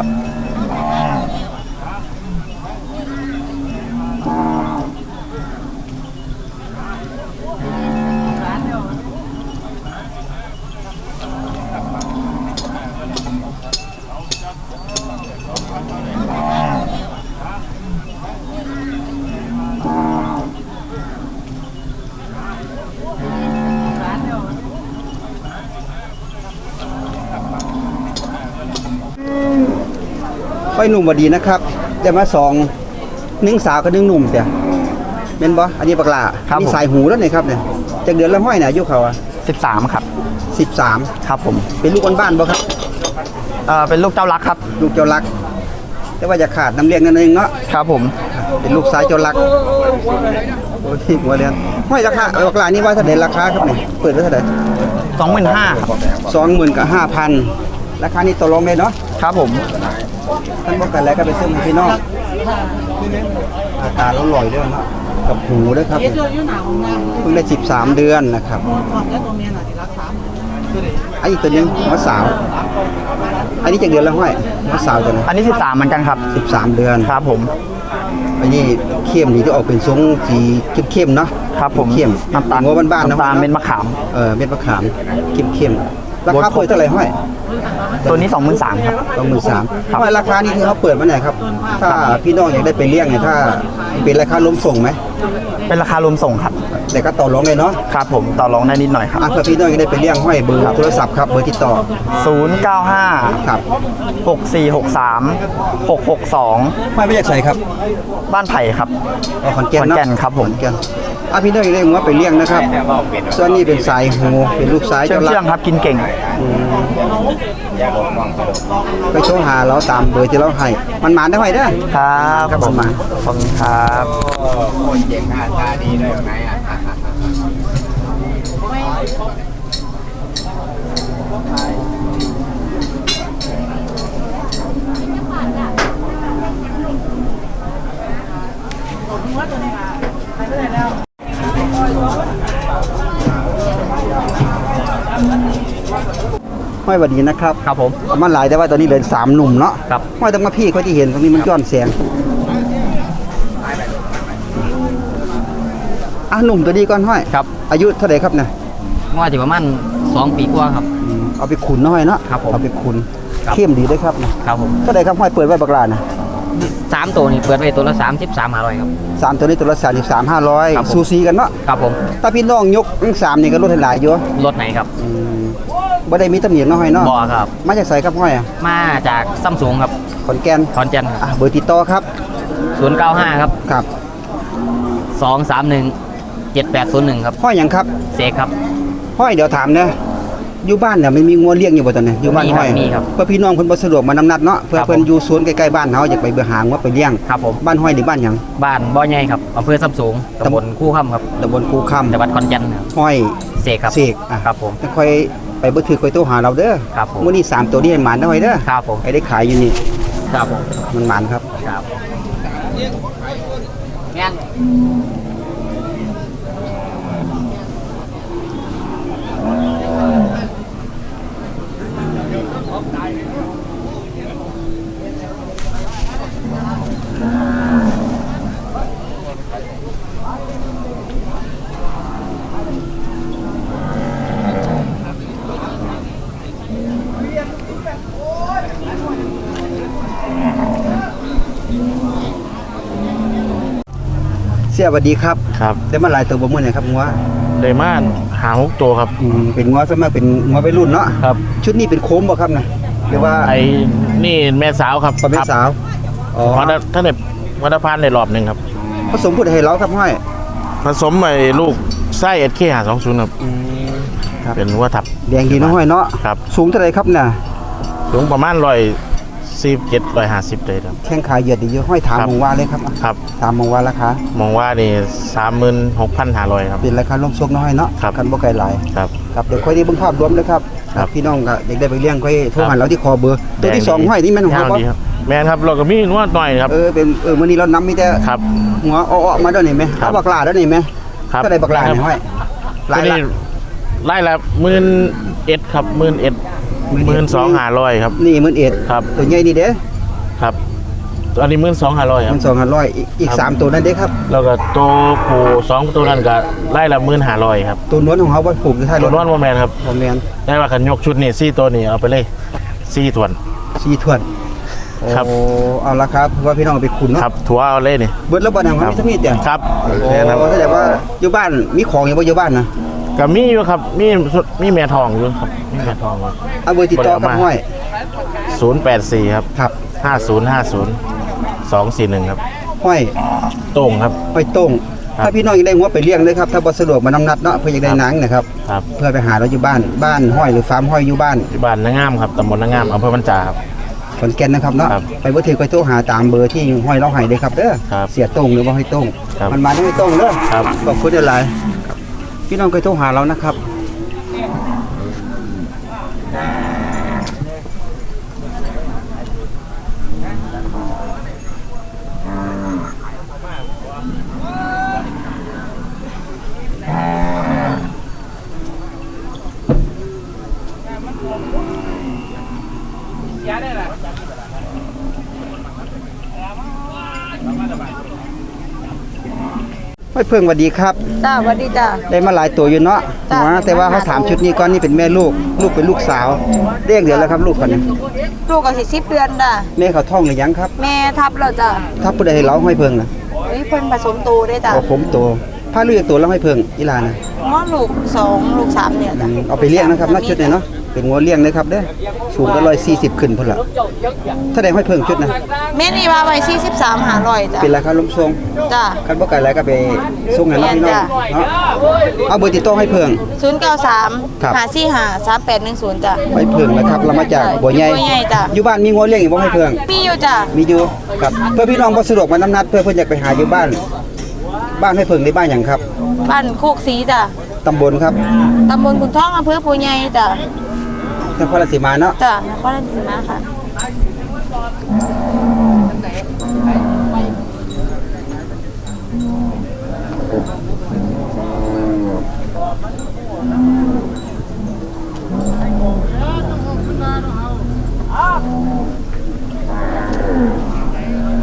Speaker 2: ห้อยหนุ่มบ่ดีนะครับได้มาสองหนึ่งสาวกับหนึ่งหนุ่มเสียแม่นบ่อันนี้บักหลา
Speaker 3: ครับ
Speaker 2: นี่
Speaker 3: ผม
Speaker 2: สายหูแล้วนี่ครับเนี่ยจากเดือนละห้อยน่ะอายุเขาอ่ะ
Speaker 3: สิบสามครับ
Speaker 2: สิบสาม
Speaker 3: ครับผม
Speaker 2: เป็นลูกบ้านๆบ่ครับ
Speaker 3: เอ่อเป็นลูกเจ้ารักครับ
Speaker 2: ลูกเจ้ารัก แต่ว่าจะขาดน้ำเลี้ยงนั่นเองเนาะ
Speaker 3: ครับผม
Speaker 2: เป็นลูกสายเจ้ารักโอ้ยหัวเรียนห้อยราคาบักหลานี่ว่าเท่าไหร่ราคาครับเนี่ยเปิดไว้เท่าไหร่
Speaker 3: สองหมื่นห้าครับ
Speaker 2: สองหมื่นกับห้าพันราคานี้ต่อรองได้เนาะ
Speaker 3: ครับผม
Speaker 2: ท่านบอกกันแล้วก็ไปซื้อให้พี่น้องหน้าตาเราลอยด้วยเนาะกับหูด้วยครับเพิ่งได้สิบสามเดือนนะครับอันนี้ตัวนึงหัวสาว อันนี้จากเดือนละห้อยหัวสาวตัวนึง
Speaker 3: อันนี้สิบสามเหมือนกันครับ
Speaker 2: สิบสามเดือน
Speaker 3: ครับผม
Speaker 2: อันนี้เข้มนี่จะออกเป็นทรงสีเข้มๆเนาะ
Speaker 3: ครับผม
Speaker 2: เข้ม
Speaker 3: น้ำตาล
Speaker 2: หัวบ้านๆนะ
Speaker 3: น้ำตาลเม็ดมะขาม
Speaker 2: เออเม็ดมะขามเข้มๆราคาเปิดเท่าไหร่ห้อย
Speaker 3: ตัวนี้สองหมื่นสามครับ
Speaker 2: สองหมื่นสาม
Speaker 3: ครับ
Speaker 2: ห้อยราคานี่ที่เขาเปิดมาไหนครับ ถ้าพี่น้องอยากได้ไปเลี้ยงเนี่ยถ้าเป็นราคาล้มส่งไหม
Speaker 3: เป็นราคารวมส่งครับ
Speaker 2: แต่ก็ต่อรองเลยเนาะ
Speaker 3: ครับผมต่อรองได้นิดหน่อยครับ
Speaker 2: อ่ะเพื่อพี่น้องจะได้ไปเลี้ยงห้อยเบอร์โทรศัพท์ครับเบอร์ติดต่อ
Speaker 3: ศูนย์เก้าห้า
Speaker 2: ครับ
Speaker 3: หกสี่หกสามหกหกสอง
Speaker 2: ห้อยไม่อยากใส่ครับ
Speaker 3: บ้านไผ่ครับ
Speaker 2: เอาขอนแก่นเนาะ
Speaker 3: ขอนแก่นครับผม
Speaker 2: ขอนแก่นอ่ะพี่น้องจะได้หัวไปเลี้ยงนะครับส่วนนี้เป็นสายหูเป็นลูกสาย
Speaker 3: เชื่อง
Speaker 2: เจ้า
Speaker 3: เชื่
Speaker 2: ลั
Speaker 3: อง
Speaker 2: ก
Speaker 3: ครับกินเก่ง
Speaker 2: ไปโทรหาเราตามเบอร์ที่เราให้มันหมานได้ห้อยเด้อ
Speaker 3: ครับ
Speaker 2: ครับผม
Speaker 3: ขอบคุณครับ
Speaker 2: ห้อยบัดนี้นะครับ
Speaker 3: ครับผม
Speaker 2: เอามันหลายแต่ว่าตอนนี้เหลือสามหนุ่มเนาะ
Speaker 3: ครับ
Speaker 2: ห้อยต้องมาพี่เขาที่เห็นตรงนี้มันย้อนแสงอ่ะหนุ่มตัวนี้ก่อนห้อย
Speaker 7: ครับ
Speaker 2: อายุเท่าไหร่ครับเนี่ย
Speaker 7: ว่าจะประมาณสองปีกว่าครับ
Speaker 2: อเอาไปขุนน้อยเนาะ
Speaker 7: ครับผม
Speaker 2: เอาไปขุน
Speaker 7: ครับ
Speaker 2: เข้มดีด้วยครับนะครับ
Speaker 7: ผม
Speaker 2: ก็ได้ครับห้อยเปิดไว้บักลานะ
Speaker 7: สามตัวนี่เปิดไว้ตัวละสามสิบสามห้าร้อยครับ
Speaker 2: สามตัวนี้ตัวละสามสิบสามห้าร้อย
Speaker 7: ครับผม
Speaker 2: ซูซีกันเนาะ
Speaker 7: ครับผม
Speaker 2: ถ้าพี่น้องยกทั้งสามนี่ก็ลดให้หลายอยู่
Speaker 7: รถไหนครับ
Speaker 2: อืมบ่ได้มีตำหนิเนาะห้อยเนาะ
Speaker 7: บ่อครับ
Speaker 2: มาจากไสครับห้อยอ่ะ
Speaker 7: มาจากซัมซุงครับ
Speaker 2: ขอนแก่น
Speaker 7: คอนเจนครับ
Speaker 2: อ่ะเบอร์ติดต่อครับ
Speaker 7: ศูนย์เก้าห้าครับ
Speaker 2: ครับ
Speaker 7: สองสามหนึ่งเจ็ดแปดศูนย์หนึ่งครับ
Speaker 2: ห้อยหยังครับ
Speaker 7: เสกครับ
Speaker 2: ห้อยเดี๋ยวถามนะอยู่บ้านเนี่ยมันมีงัวเลี้ยงอยู่บ่ตอนนี้อยู่บ้าน
Speaker 7: มีครับ
Speaker 2: ห้อย
Speaker 7: มีครับ
Speaker 2: เพื่อพี่น้องเพิ่นบ่สะดวกมานำนัดเนาะเพื่อ
Speaker 7: ครับ
Speaker 2: เพิ่น
Speaker 7: ผม
Speaker 2: อยู่สวนใกล้ๆบ้านเฮาอยากไปเบื่อหางัวไปเลี้ยง
Speaker 7: ครับผม
Speaker 2: บ้านห้อยนี่บ้านหยัง
Speaker 7: บ้านบ่อใหญ่ครับอำเภอซัมซุงตำบลคู่ค่ำครับ
Speaker 2: ตำบลคูคำ
Speaker 7: จังหวัดขอนแก่นครับ
Speaker 2: ห้อย
Speaker 7: เสกครับ
Speaker 2: เสกอ่ะ
Speaker 7: ครับผม
Speaker 2: จะค่อยไปบ่ถือค่อยโทรหาเราเด้อ
Speaker 7: ครับผม
Speaker 2: มื้อนี้สามตัวนี้ให้หมานเด้อห้อยเด้อ
Speaker 7: ครับผม
Speaker 2: ให้ได้ขายอยู่นี่
Speaker 7: ครับผม
Speaker 2: มันหมานครับ
Speaker 7: ครับงาน
Speaker 2: เสียสวัสดีครับ
Speaker 5: ครับ
Speaker 2: ได้มาหลายตัวบ่มื้อนี้ครับงัว
Speaker 5: ได้มาหาหกตัวครับ
Speaker 2: อืมเป็นงัวส่วนมากเป็นงัววัยรุ่นเนาะ
Speaker 5: ครับ
Speaker 2: ชุดนี้เป็นโคมบ่ครับนะหรือว่า
Speaker 5: ไอ้นี่แม่สาวครับ
Speaker 2: ประเภทสาวอ๋อ
Speaker 5: วัดท่านเด็วัดพานในรอบหนึ่งครับ
Speaker 2: ผสมพูดให้เราครับห้อย
Speaker 5: ผสมไอ้ลูกไส้เอสเคหาสองศูนย์ครับ
Speaker 2: ครับ
Speaker 5: เป็นวัวทับ
Speaker 2: แดงดีเนาะห้อยเนาะ
Speaker 5: ครับ
Speaker 2: สูงเท่าไหร่ครับน่ะ
Speaker 5: สูงประมาณร้อยสิบเจ็ดร้อยห้าสิบเลยครับ
Speaker 2: แข้งขาเหยียดดีเยอะห้อยถาม
Speaker 5: ครับ
Speaker 2: มองว่าเลยครับ
Speaker 5: ครับ
Speaker 2: ถามมองว่าราคาม
Speaker 5: องว่านี่สามหมื่นหกพันห้าร้อยครับ
Speaker 2: เป็นราคาลงซกน้อยเนาะ
Speaker 5: ครับ
Speaker 2: กันบ่ไกลหลาย
Speaker 5: ครับ
Speaker 2: ครับเดี๋ยวค่อยได้เบิ่งภาพรวมเลยครับ
Speaker 5: ครับ
Speaker 2: พี่น้องก็อยากได้ไปเลี้ยงค่อยโทร
Speaker 5: ครั
Speaker 2: หา
Speaker 5: บ
Speaker 2: เราที่คอเบอร์ตัวที่สอง
Speaker 5: แดงดี
Speaker 2: ห้อยนี่แม่นของ
Speaker 5: ย่าง
Speaker 2: เขาบ่
Speaker 5: ดีครับแมนครับเราก็มีนวดหน่อยครับ
Speaker 2: เออเป็นเออมื้อนี้เรานำมีแต่
Speaker 5: ครับ
Speaker 2: หัวอ้อๆมาด้วยนี่แม่
Speaker 5: ครับ
Speaker 2: เอาบักหลาด้วยนี่แม่
Speaker 5: ครับ
Speaker 2: ก็ได้บักหลานี่ห้อยหลาย
Speaker 5: ตัว
Speaker 2: ละ
Speaker 5: นี้ไล่ละหมื่นเอ็ดครับหมื่นเอ็ดหมื่นสองห้าร้อยครับ
Speaker 2: นี่หมื่นเอ็ด
Speaker 5: ครับ
Speaker 2: ตัวใหญ่นี่เด้
Speaker 5: ครับอันนี้หมื่นสองห้าร้อยค
Speaker 2: ห
Speaker 5: รับ
Speaker 2: มื่นสองพันร้อยอีกอีก
Speaker 5: ครับ
Speaker 2: สามตัวนั่นเด้ครับ
Speaker 5: แล้วก็ตัวผู้สองตัวนั้นก็ไล่ละหมื่นห้าร้อยครับ
Speaker 2: ตัวนวลของเขาบ่ผูกอยู่ท้ายร
Speaker 5: ตัว
Speaker 2: ถ
Speaker 5: นอนโมแมนครับ
Speaker 2: บ่แม่น
Speaker 5: ได้ว่าขันยกชุดนี่ซี่ตัวนี่เอาไปเลยซี่ถวน
Speaker 2: สี่ถ้วน
Speaker 5: ครับ
Speaker 2: โอ้เอาละครับเพราะว่าพี่น้องเอาไปขุนเนาะ
Speaker 5: ครับถัวเอาเลยนี่
Speaker 2: เบิดแล้วบ่นำครับมีทั้งมีดเดียว
Speaker 5: ครับ
Speaker 2: โอ้
Speaker 5: แน่ครับ
Speaker 2: แสดงว่าอยู่บ้านมีของอยู่บ่อยู่บ้านนะ
Speaker 5: ก็มีอยู่ครับมีมีแม่ทองอยู่ครับมีแม่ทอง
Speaker 2: เอาเบอร์ติดต่อกับห้อย
Speaker 5: ศูนย์แปดสี่ครับ
Speaker 2: ครับ
Speaker 5: ห้าศูนย์ห้าศูนย์สองสี่หนึ่งครับ
Speaker 2: ห้อย
Speaker 5: โต้งครับ
Speaker 2: ห้อยโต้ง
Speaker 5: ครับ
Speaker 2: ถ้าพี่น้องอยากได้หัวไปเลี้ยงเลยครับถ้าบ่สะดวกมานำนัดเนาะเพื่ออยากได้หนังนะครับ
Speaker 5: ครับ
Speaker 2: เพื่อไปหาเราอยู่บ้านบ้านห้อยหรือฟาร์มห้อยอยู่บ้าน
Speaker 5: ที่บ้านนางงามครับตำบลนางงามอำเภอบัญจาครับ
Speaker 2: ขอนแก่นนะครับเนาะ
Speaker 5: ครับ
Speaker 2: ไปบ่ถือไปโทรหาตามเบอร์ที่ห้อยเราให้เลยครับเด้อ
Speaker 5: ครับ
Speaker 2: เสียโต้งหรือว่าห้อยโต้ง
Speaker 5: ครับ
Speaker 2: มันมาได้ห้อยโต้งเด้อ
Speaker 5: ครับ
Speaker 2: ขอบคุณหลายๆพี่น้องเคยโทรหาเรานะครับ ไม่เพิ่งสวัสดีครับ
Speaker 8: จ้าสวัสดีจ้า
Speaker 2: ได้มาหลายตัวอยู่เนาะ
Speaker 8: จ้ะ
Speaker 2: หัวแต่ว่าเขาถามชุดนี้ก่อนนี่เป็นแม่ลูก ลูกเป็นลูกสาวเรียกเดือนแล้วครับลูกคนนี้
Speaker 8: ลูกก็สิสิบเดือนจ้า
Speaker 2: แม่เขาท้องหรือยังครับ
Speaker 8: แม่ทับแล้วจ้า
Speaker 2: ถ้าผู้ใดให้เราให้เพิ่งนะ
Speaker 8: เฮ้ยเพิ่นผสมโตได้จ้า
Speaker 2: เอาผมโตผ้าเลือกตัวแล้วให้เพิ่งอีหลานะ
Speaker 8: ง้อลูกสองลูกสามเนี่ย
Speaker 2: อื
Speaker 8: จ้าม
Speaker 2: เอาไปเลี้ยงนะครับนักชุดนี้เนาะเป็นงัวเลี้ยงเลยครับเด้อสูงก็ร้อยสี่สิบขึ้นพุ่นละถ้าได้ให้เพิ่งชุดนะ
Speaker 8: แม่นี่ว่าไว้สี่สิบสามหาร้อยจ้า
Speaker 2: เป็นราคาล้มทรง
Speaker 8: จ้า
Speaker 2: คันบ่ไกลแล้วก็ไปส่งให้เราพี่น้อง
Speaker 8: จ้ะ
Speaker 2: เนาะเอาเบอร์ติดต่อให้เพิ่ง
Speaker 8: ศูนย์เก้าสาม
Speaker 2: ครับ
Speaker 8: หาสี่หาสามแปดหนึ่งศูนย์จ้า
Speaker 2: ไปเพิ่งนะครับเรามาจากบัวใหญ่
Speaker 8: บัวใหญ่จ้ะ
Speaker 2: อยู่บ้านมีงัวเลี้ยงอีกบ่ให้เพิ่ง
Speaker 8: มีอยู่จ้า
Speaker 2: มีอยู่ครับเพื่อพี่น้องบ่สะดวกมาน้ำนัดเพื่อเพิ่นอยากไปหาอยู่บ้าน บ้านให้เพิ่งในบ้านหยังครับ
Speaker 8: บ้านโคกสีจ้า
Speaker 2: ตำบลครับ
Speaker 8: ตำบลขุนทองอำเภอปูใหญ่จ้าน
Speaker 2: ครราชสีมาเนาะ
Speaker 8: จ้านครราชสีมาค่ะ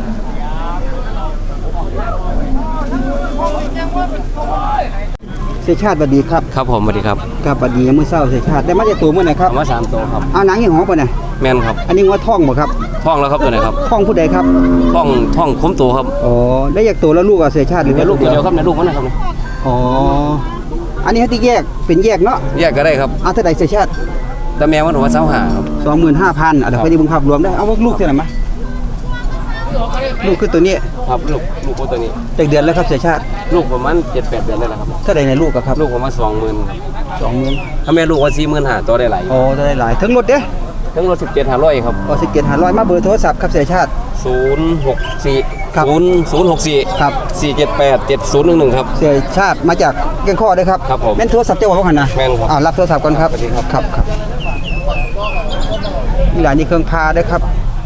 Speaker 2: เสีสียชาติบัดดีครับ
Speaker 9: ครับผมสวัสดีครับ
Speaker 2: ครับบัดดีมื้อเช้าเสียชาติได้มาจากตัวมื้อไหนครับ
Speaker 9: เอามาสามตัวครับ
Speaker 2: เอาหนังยี่ห้อปะเนี่ย
Speaker 9: แม่นครับ
Speaker 2: อันนี้ว่าท่องบ่ครับ
Speaker 9: ท่องแล้วครับตัวไหนครับ
Speaker 2: ท่องผู้ใดครับ
Speaker 9: ท่องท่องคุ้มตัวครับ
Speaker 2: อ๋อได้จากตัวแล้วลูกอ่ะเสียชาติหรือ
Speaker 9: ใน
Speaker 2: ว่า
Speaker 9: ลู
Speaker 2: ลู
Speaker 9: ก
Speaker 2: ก
Speaker 9: ตัว
Speaker 2: เดี
Speaker 9: เดี
Speaker 2: ย
Speaker 9: ยว วครับในลูกมันนะครับ
Speaker 2: อ๋ออันนี้ให้ที่แยกเป็นแยกเนาะ
Speaker 9: แยกก็ได้ครับ
Speaker 2: เอาเท่าใดเสียชาติ
Speaker 9: แต่แม่มันว่าเสาหาครับ
Speaker 2: สองหมื่นห้าพันอ่ะเดี๋ยวไปดูบังคับรวมได้เอาว่าลูกเท่าไหร่มาลูกคือตัวนี้
Speaker 9: ครับลูกลูกตัวนี้
Speaker 2: จากเดือนแล้วครับเสียชาติ
Speaker 9: ลูกประมาณเจ็ดแปดเดือนได้แล้วครับ
Speaker 2: เท่าไหร่ในลูกอะครับ
Speaker 9: ลูกประมาณสองหมื่น
Speaker 2: สองหมื่น
Speaker 9: ถ้าแม่ลูกว่าสี่หมื่นหาตัวได้หลาย
Speaker 2: อ๋อจะได้หลายทั้งรถเด้
Speaker 9: ทั้งรถสิบเจ็ดห้าร้อยครับ
Speaker 2: อ๋อสิเกตหาร้อยมาเบอร์โทรศัพท์ครับเสียชาติ
Speaker 9: ศูนย์หกสี่
Speaker 2: ครับ
Speaker 9: ศูนย์ศูนย์หกสี่
Speaker 2: ครับ
Speaker 9: สี่เจ็ดแปดเจ็ดศูนย์หนึ่งหนึ่งครับ
Speaker 2: เสียชาติมาจากแก่งข้อได้ครับ
Speaker 9: ครับผม
Speaker 2: แม่นโทรศัพท์เจ้าของหันนะ
Speaker 9: แม่นครับ
Speaker 2: อ่ารับโทรศัพท์ก่อนครับ
Speaker 9: สวัสดีครับ
Speaker 2: ครับครับนี่หลานนี่เครื่องพาด้วยครับ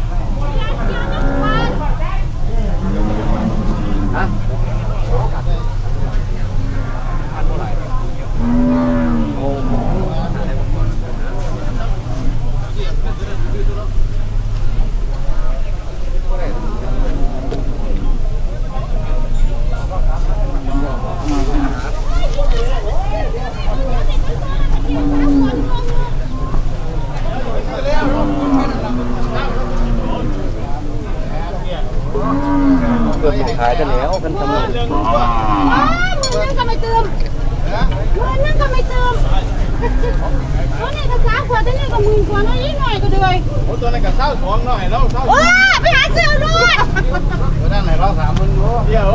Speaker 2: เกือบขายกันแล้วกันทำไม
Speaker 10: นั่งก็ไม่เติมนั่งก็ไม่เติมตัวนี้ก็สามขวดตัวนี้ก็หมื่นกว่าน้อยนิดหน่อยก็เลยโอ้ตัวนี้ก็เศร้าสองหน่อยแล้วเศร้าโอ้ไปหาเสื้อด้วยตัวนั้นไหนเราสามหมื่นเดียว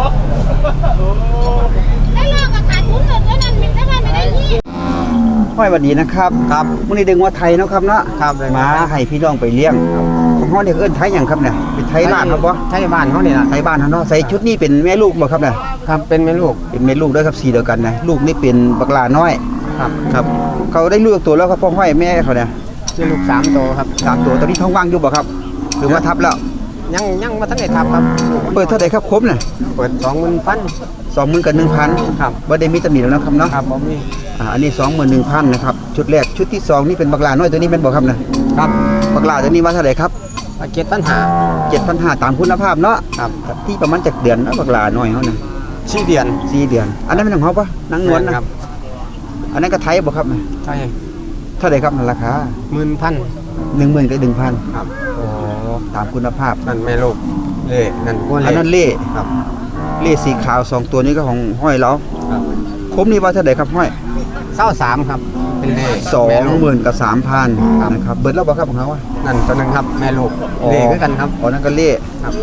Speaker 10: ได้เลิกกับขาดทุนเลยตัวนั้นมันได้ไม่ได้ยี่
Speaker 2: ห้อยหวัดดีนะครับครับมื้อนี้ดึงว่าไทยเนาะครับเนาะครับมาให้พี่น้องไปเลี้ยงของเฮาเนี่ยเอิ้นไทยหยังครับเนี่ยเป็นไทยลาดครับบ่
Speaker 3: ไทยบ้านเขาเนี่ยนะ
Speaker 2: ไทยบ้านเฮาเนาะใส่ชุดนี้เป็นแม่ลูกบ่ครับเนี่ย
Speaker 3: ครับเป็นแม่ลูก
Speaker 2: เป็นแม่ลูกด้วยครับสีเดียวกันนะลูกนี่เป็นบักหลาน้อย
Speaker 3: ครับ
Speaker 2: ครับ เขาได้ลูกตัวแล้วครับพ่อห้อยแม่เขาเนี่ย
Speaker 3: ชื่อลูกสามตัวครับ
Speaker 2: สามตัวตอนนี้ท้องว่างอยู่บ่ครับ หรือว่าทับแล้ว
Speaker 3: ยังยังมาทั้งได้ทับครับ
Speaker 2: เปิดเท่าไหร่ครับครบน่ะ
Speaker 3: เปิดสองหมื่นพัน
Speaker 2: สองหมื่นกับหนึ่งพัน
Speaker 3: ครับ
Speaker 2: บ่ได้มีตำหนิแล้วนะครับเนาะ
Speaker 3: ครับผมนี่
Speaker 2: อ่าอันนี้สองหมื่นหนึ่งพันนะครับชุดแรกชุดที่สองนี่เป็นบักหลาน้อยตัวนี้เป็นบ่ครับนะครับ บักหลาตัวนี้ว่าเท่าไหร่ครับ
Speaker 3: เจ็ดปัญหา
Speaker 2: เจ็ดพันห้าตามคุณภาพเนาะ
Speaker 3: ครับ
Speaker 2: ที่ประมาณจากเดือนนะบักหลาน้อยเขาน่ะ
Speaker 3: ชื่อเดียน
Speaker 2: สี่เดือน อันนั้นเป็นของเขาปะนางนวลนะครับ อันนั้นก็ไทยบ่ครับ
Speaker 3: ใช่
Speaker 2: เท่าไหร่ครับราคา
Speaker 3: หมื่นพัน
Speaker 2: หนึ่งหมื่นกับหนึ่งพัน
Speaker 3: ครับ
Speaker 2: โอ้ตามคุณภาพ
Speaker 3: นั่นแม่ลูกเล่นั่นพวก
Speaker 2: อัน
Speaker 3: เล่
Speaker 2: นั้นเล่
Speaker 3: ครับ
Speaker 2: เล่สีขาวสองตัวนี้ก็ของห้อยเรา
Speaker 3: ครับ
Speaker 2: คมนี่ว่าเท่าไหร่ครับห้อย
Speaker 3: เศร้าสามครับเป็นเล่
Speaker 2: สอง
Speaker 3: แม่ลูก
Speaker 2: หมื่นกับสามพัน
Speaker 3: ครับ
Speaker 2: นะครับเบิร์ดแล้วบ่ครับของเขาอะ
Speaker 3: นั่นตัวหนึงครับแม่ลูก
Speaker 2: อ๋อ
Speaker 3: เล่คือกันครับ
Speaker 2: อ๋อนั่นก็เล่
Speaker 3: ครับ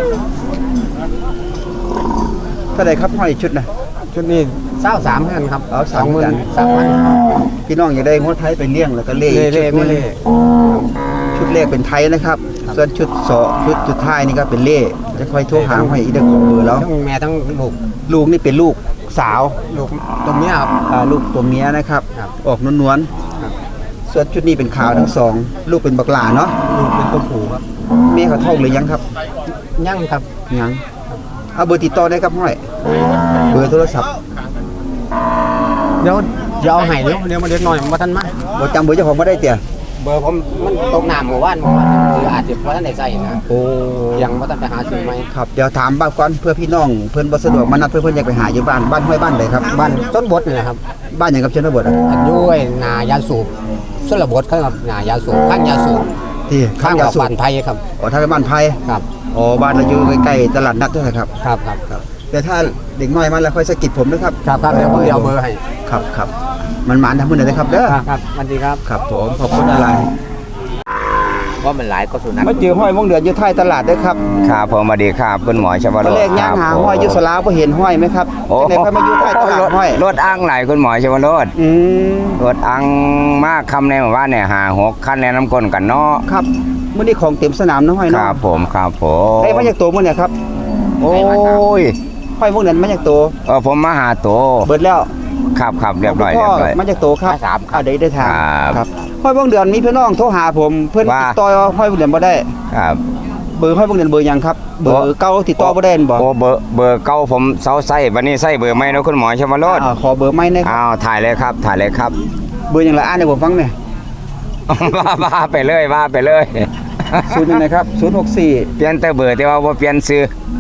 Speaker 2: เท่าไหร่ครับห้อยชุดนะ
Speaker 3: ชุดนี้เศร้าสามคือกันครับ
Speaker 2: เอา
Speaker 3: สองหมื่
Speaker 2: สาม
Speaker 3: น
Speaker 2: กัน
Speaker 3: สามพัน
Speaker 2: พี่น้องอยากได้งวดไทยไปเลี้ยงแล้วก็เล่
Speaker 3: เล่เล่
Speaker 2: ชุด
Speaker 3: ไม่
Speaker 2: หนึ่ง
Speaker 3: เล่
Speaker 2: ชุดแรกเป็นไทยนะครับ ส่วนชุดสองชุดสุดท้ายนี่ก็เป็นเล่จะคอยโทรหาห้อยอีกเด้อของเบอร์แล้ว
Speaker 3: ทั้งแม่ทั้งลูก
Speaker 2: ลูกนี่เป็นลูกสาว
Speaker 3: ลูกตัวเมียครับ
Speaker 2: อ่าลูกตัวเมียนะครับ
Speaker 3: ครับ
Speaker 2: ออกนวล
Speaker 3: ครับ
Speaker 2: ๆส่วนชุดนี้เป็นขาวทั้งสอง ลูกเป็นบักหลาเนาะ
Speaker 3: ลูกเป็นตัวผู้ครับ
Speaker 2: แม่เขาท้องหรือยังครับ
Speaker 3: ยั่งครับ
Speaker 2: ยังเอาเบอร์ติดต่อได้ครับห้อย เบอร์โทรศัพท์
Speaker 3: เดี๋ยวเดี๋ยวเอาให้เดี๋ยวเดี๋ยวมาเล็กน้อยมาท่านมา
Speaker 2: บ่จำเบอร์เจ้าของบ่ได้เตี่ย
Speaker 3: เบอร์ผมมันตกน้ำเมื่อวานเมื่อวานคืออาจจะเพราะท่านได้ใส่นะ
Speaker 2: โอ้
Speaker 3: ยังว่าท่านไปหาซื้อไหม
Speaker 2: ครับเดี๋ยวถามบ้านก่อนเพื่อพี่น้องเพิ่นบ่สะดวกมานัดเพื่อเพิ่นอยากไปหาอยู่บ้านบ้านห้วยบ้านใดครับ
Speaker 3: บ้านต้นบดนี่แหละครับ
Speaker 2: บ้านหยังกับชนบทอะ
Speaker 3: อันยุ้ยนายาสูบส่วนระบดเขาครับนายาสูบข้างยาสูบ
Speaker 2: ที่
Speaker 3: ข้าง
Speaker 2: ยา
Speaker 3: กับ
Speaker 2: สูบ
Speaker 3: บ้านไทยครับ
Speaker 2: อ๋อทางบ้านไผ
Speaker 3: ครับ
Speaker 2: อ๋อบ้านเราอยู่ใกล้ๆตลาดนัดด้วยครับ
Speaker 3: ครับครับครับ
Speaker 2: แต่ถ้าเด็กน้อยมาแล้วค่อยสะกิดผมนะครับ
Speaker 3: ครับครับเดี๋ยวผมจะเอาเบอร์ให้
Speaker 2: ครับครับมันหมานทำมื้อไหนนะครับเด้อ
Speaker 3: ครับครับสวัสดีครับ
Speaker 2: ครับผมขอบคุณอะไร
Speaker 7: ว่ามันหลายก็สุนัข
Speaker 2: มาเจอห้อยวงเดือนอยู่ท้ายตลาดเด้อครับ
Speaker 9: ครับผมสวัสดีครับคุณหมอชว
Speaker 2: ตอน
Speaker 9: โร
Speaker 2: แร
Speaker 9: จ
Speaker 2: ก
Speaker 9: น์
Speaker 2: ย่างหา
Speaker 9: ครับ
Speaker 2: ห้อยอยู่สลาบ่เห็นห้อยไหมครับ
Speaker 9: โอ้
Speaker 2: จังได๋ค่อยมาอยู่ท้ายตลาดห้อย
Speaker 9: รถอ้างไหลคุณหมอชวโรจน์
Speaker 2: อืม
Speaker 9: รถอ้างมากคำในหมู่บ้านเนี่ยหาหกคันแนะน้ำก้นกันเนาะ
Speaker 2: ครับมื้อนี้ของเต็มสนามนะห้อย
Speaker 9: ค
Speaker 2: เนาะ
Speaker 9: รับผมครับผม
Speaker 2: ได้มาจากตัวมื้อเนี่ยครับ
Speaker 9: โอ้ย
Speaker 2: ห้อยวงเดือนมาจากตัว
Speaker 9: เออผมมาหาตัว
Speaker 2: เบิดแล้ว
Speaker 9: ครับครับเรียบร้อย
Speaker 2: พ่
Speaker 9: เรียบร้อย
Speaker 2: มาจากตัวครับ
Speaker 9: สามครับ
Speaker 2: อ่าได้ได้ทาง
Speaker 9: ครับ
Speaker 2: ครับห้อยวงเดือนมีพี่น้องโทรหาผมเพิ่น
Speaker 9: ว่า
Speaker 2: ติดต่อห้อยวงเดือนบ่ได้
Speaker 9: ครับ
Speaker 2: เบอร์ห้อยวงเดือนเบอร์หยังครับเบอร์เก่าติดต่อบ่ได้บ่
Speaker 9: โอ้เบอร์เบอร์เก่าผมเซาไส้วันนี้ไส้เบอร์ไม่เนาะคุณหมอชวโรจน์
Speaker 2: อ่าขอเบอร์ใหม่หนะครับ
Speaker 9: อ้าวถ่ายเลยครับถ่ายเลยครับ
Speaker 2: เบอร์หยังละอ่านให้ผมฟังหน่อย
Speaker 9: ว่าว่าไปเลยว่าไปเลย
Speaker 2: ศูนย์หนึ่งนะครับศูนย์หกสี่
Speaker 9: เปลี่ยนแต่เบอร์แต่ว่าบ่เปลี่ยนซื้อ
Speaker 2: ศ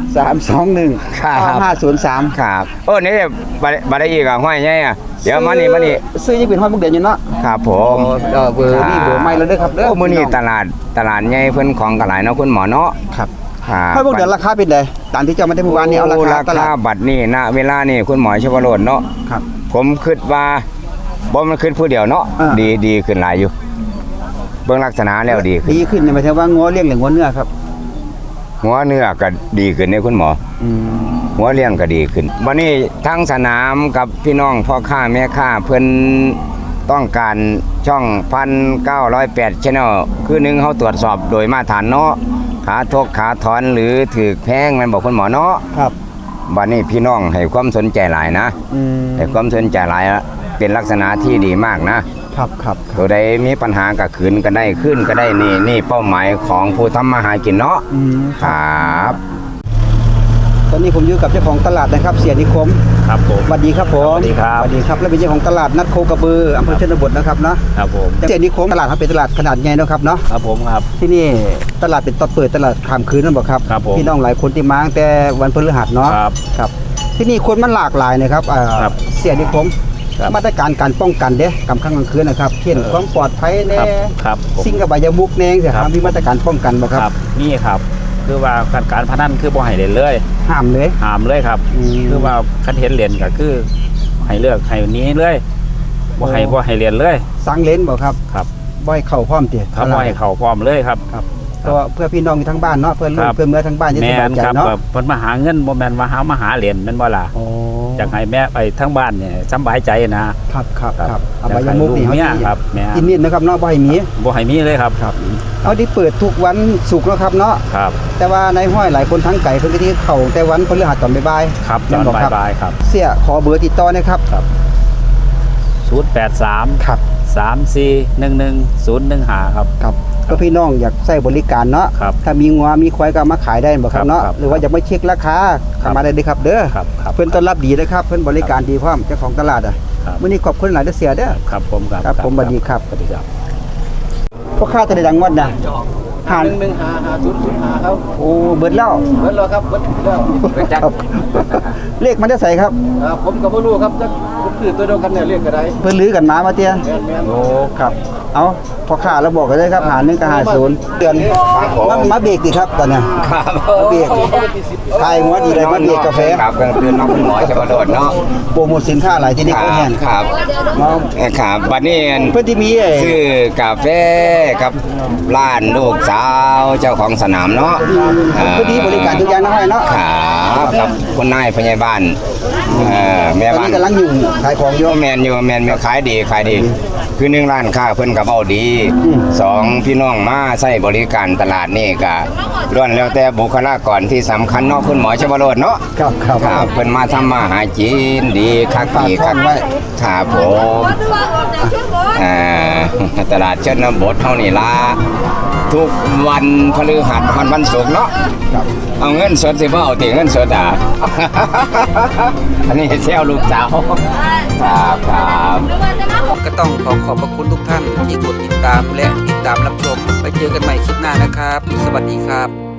Speaker 2: สามสองหนึ่ง
Speaker 9: ครับ
Speaker 2: เก้าห้าศูนย์สาม
Speaker 9: ครับโอ้นี่บัดบัดได้อีกอ่ะห้อยใหญ่อ่ะเดี๋ยวมานี่มานี่
Speaker 2: ซื้อยังเป็นห้อยมุกเดือนอยู่เนาะ
Speaker 9: ครับผม
Speaker 2: เออเบอร์นี่เบอร์ไม่แล้วเด้อครับเด้อ
Speaker 9: โอ้มื้อนี้ตลาดตลาดใหญ่เพิ่นของก็หลายเนาะคุณหมอเนาะ
Speaker 2: ครับ
Speaker 9: ครับ
Speaker 2: ห้อยมุกเดือนราคาเป็นไดตามที่เจ้ามาได้เมื่อวานนี้เอาราคา
Speaker 9: รา
Speaker 2: ตลา
Speaker 9: คา
Speaker 2: ด
Speaker 9: บัตรนี่ณเวลานี่คุณหมอชวโรจน์เนาะ
Speaker 2: ครับ
Speaker 9: ผมคิดว่าบ่มันขึ้นผู้เดียวเนาะ
Speaker 2: อ่า
Speaker 9: ดีดีขึ้นหลายอยู่ เบิ่งลักษณะแล้วดีขึ้น
Speaker 2: ดีขึ้นเนี่ยหมายถึงว่างัวเลี้ยงหรืองัวเนื้อครับ
Speaker 9: หัวเนื้อก็ดีขึ้นเนี่ยคุณหมอ
Speaker 2: อืม
Speaker 9: หัวเลี้ยงก็ดีขึ้นวันนี้ทั้งสนามกับพี่น้องพ่อค้าแม่ค้าเพิ่นต้องการช่องพันเก้าร้อยแปดชแนลคือหนึ่งเขาตรวจสอบโดยมาตรฐานเนาะขาทกขาถอนหรือถือแพงแมันบอกคุณหมอเนาะ
Speaker 2: ครับ
Speaker 9: วันนี้พี่น้องให้ความสนใจหลายนะ
Speaker 2: อืม
Speaker 9: ให้ความสนใจหลายเป็นลักษณะที่ดีมากนะครับ
Speaker 2: ครับ
Speaker 9: ตัวใดมีปัญหากับขืนก็ได้ขึ้นก็ได้นี่นี่เป้าหมายของผู้ทำมาหากินเนาะ
Speaker 2: อืม
Speaker 9: ครับ
Speaker 2: ตอนนี้ผมอยู่กับเจ้าของตลาดนะครับเสียนิคม
Speaker 1: ครับผม
Speaker 2: สวัสดีครับผม
Speaker 1: สวัสดีครับ
Speaker 2: สวัสดีครับและเป็นเจ้าของตลาดนัดโคกระบืออำเภอชนบทนะครับเนาะ
Speaker 1: ครับผม
Speaker 2: เสียนิคมตลาดครับเป็นตลาดขนาดใหญ่เนาะครับเนาะ
Speaker 1: ครับผมครับ
Speaker 2: ที่นี่ตลาดเป็นตอนเปิดตลาดข้ามคืนนั่นบอกครับ
Speaker 1: ครับผม
Speaker 2: พี่น้องหลายคนที่มาตั้งแต่วันพฤหัสเนาะ
Speaker 1: ครับ
Speaker 2: ครับ ที่นี่คนมันหลากหลายนะครับอ่า
Speaker 1: ครับ
Speaker 2: เสียนิคม
Speaker 1: ครับ
Speaker 2: มาตรการการป้องกันเด้กำข้างกลางคืนนะครับเช่น
Speaker 1: เออ
Speaker 2: ความปลอดภัยแน่
Speaker 1: ครับครับผม
Speaker 2: สิ่งกับใบายมุกแน่เสียค
Speaker 1: ครั
Speaker 2: รับบ มีมาตรการป้องกันบ่ค
Speaker 1: ค
Speaker 2: รั
Speaker 1: รับ บนี่ครับคือว่าการการพนันคือบ่ให้เล่นเลย
Speaker 2: ห้ามเลย
Speaker 1: ห้ามเลยครับ
Speaker 2: อืม
Speaker 1: คือว่าคันเห็นเล่นก็คือให้เลือกให้หนี้เลยบ่ให้บ่ให้เล่นเลย
Speaker 2: สังเลนบ่ครับ
Speaker 1: ครับ
Speaker 2: บ่ให้เข้าพร้อมติ
Speaker 1: ครับบ่ให้เข้าพร้อมเลยครับ
Speaker 2: ครับเพราะว่าเพื่อพี่น้องอยู่ทั้งบ้านเนาะเพื่อนลู
Speaker 1: ค
Speaker 2: ก
Speaker 1: รับ
Speaker 2: เพื่อนเมื่อทั้งบ้านจะ
Speaker 1: แม่
Speaker 2: สบาย
Speaker 1: น
Speaker 2: ใจ
Speaker 1: ครับ
Speaker 2: เนาะ
Speaker 1: แบบเพิ่นมาหาเงินบ่แม่นว่าหามาหาเหรียญแม่นบ่ล่ะ
Speaker 2: โอ้
Speaker 1: อยากให้แม่ไปทั้งบ้านเนี่ยสำบายใจนะครับ
Speaker 2: ครับ
Speaker 1: ครับ
Speaker 2: ครับเอา
Speaker 1: อยาก
Speaker 2: ใบ
Speaker 1: ให้
Speaker 2: ยมุกนี่
Speaker 1: ลูก
Speaker 2: เฮา
Speaker 1: เมีย
Speaker 2: สิ
Speaker 1: ครับแม่
Speaker 2: กินนิดนะครับเนาะบ่ให้มี
Speaker 1: บ่ให้มีเลยครับ
Speaker 2: ครับเอาที่เปิดทุกวันศุกร์เนาะครับเนาะ
Speaker 1: ครับ
Speaker 2: แต่ว่าในห้อยหลายคนทั้งไก่เพิ่นก็ที่เข้าแต่วันพฤหัสตอนบ่ายๆ
Speaker 1: ครับต
Speaker 2: แม่
Speaker 1: อน
Speaker 2: บ่ครับ
Speaker 1: บ่ายๆครับ
Speaker 2: เสียขอเบอร์ติดต่อหนะครับ
Speaker 1: ศูนย์แปดสาม
Speaker 2: ครับ
Speaker 1: สามสี่หนึ่งหนึ่งศูนย์หนึ่งห้าครับ
Speaker 2: ครับก็พี่น้องอยากใช้บริการเนาะ
Speaker 1: ครับ
Speaker 2: ถ้ามีงัวมีควายก็เอามาขายได้บ่ครับเนาะ
Speaker 1: ครับ
Speaker 2: หรือว่าอยากมาเช็คราคา
Speaker 1: ครับ
Speaker 2: เข้ามาได้เลยครับเด้อ
Speaker 1: ครับครับ
Speaker 2: เพิ่นต้อนรับดีนะครับเพิ่นบริการดีพร้อมเจ้าของตลาดอ่ะ
Speaker 1: ครับ
Speaker 2: มื้อนี้ขอบคุณหลายเด้อเสียเด้อ
Speaker 1: ครับผมครับ
Speaker 2: ครับผมสวัสดีครับ
Speaker 1: สวัสดีครับ
Speaker 2: พ่อค้าจะได้ดังวัดน่ะหาร
Speaker 4: หนึ่งหาหาศูนย์ศูนย์หาครับ
Speaker 2: โอ้เบิดแล้ว
Speaker 4: เบิดแล้วครับเบิดแล้ว
Speaker 2: ครับเลขมันได้ใส่ครับ
Speaker 4: อ่าผมก็บ่รู้ครับจะผมคือตัวเดียวกันเนี่ยเรียกก็ได้
Speaker 2: เพิ่นลือกันมามาเตี้ย
Speaker 4: แม่นแม่น
Speaker 2: โอ้ครับเอาพ่อค้าเราบอกกันเลยครับหาหนึ่งกับหาศูนย์เดือนมามาเบรกดิครับตอนเนี้ย
Speaker 9: ครับ
Speaker 2: มาเบรกขายหัวดีเลยมาเบรกกาแฟ
Speaker 9: ครับก็คือน้องคุณหมอชวโรจน์เนาะ
Speaker 2: โปรโมทสินค้าหลายที่นี่ก็แห้ง
Speaker 9: ครับ
Speaker 2: มา
Speaker 9: ครับบัดนี้
Speaker 2: เพื่อนที่มีไอ้
Speaker 9: ซื้อกาแฟกับร้านลูกสาวเจ้าของสนามเนาะ
Speaker 2: เพื่อนที่บริการทุกอย่างนะให้เนาะ
Speaker 9: ครับกับคุณนายพยาบาลเอ่อแม่
Speaker 2: ตอน
Speaker 9: บ้าน
Speaker 2: นี้กำลังอยู่ขายของอยู่
Speaker 9: แมนอยู่แมนแม่นขายดีขายดี คือหนึ่งร้านค้าเพิ่นกับเอาดี
Speaker 2: อืม
Speaker 9: สองพี่น้องมาใช้บริการตลาดนี่ก็ล้วนแล้วแต่บุคลากรที่สำคัญเนาะคุณหมอชวโรจน์เนาะ
Speaker 2: ครับครับ
Speaker 9: ครับเพิ่นมาทำมาหากินดีคักดีคัก
Speaker 2: ฝากท้องไว้
Speaker 9: ครับผมอ่าตลาดชนบทเท่านี้ละทุกวันพฤหัสวันวันศุกร์เนาะ
Speaker 2: ครับ
Speaker 9: เอาเงินสดสิบ่เอาติเงินสดอ่ะ อันนี้เซลลูกสาวครับครับ
Speaker 11: ก็ต้องขอขอบพระคุณทุกท่านที่กดติดตามและติดตามรับชม ไปเจอกันใหม่คลิปหน้านะครับ สวัสดีครับ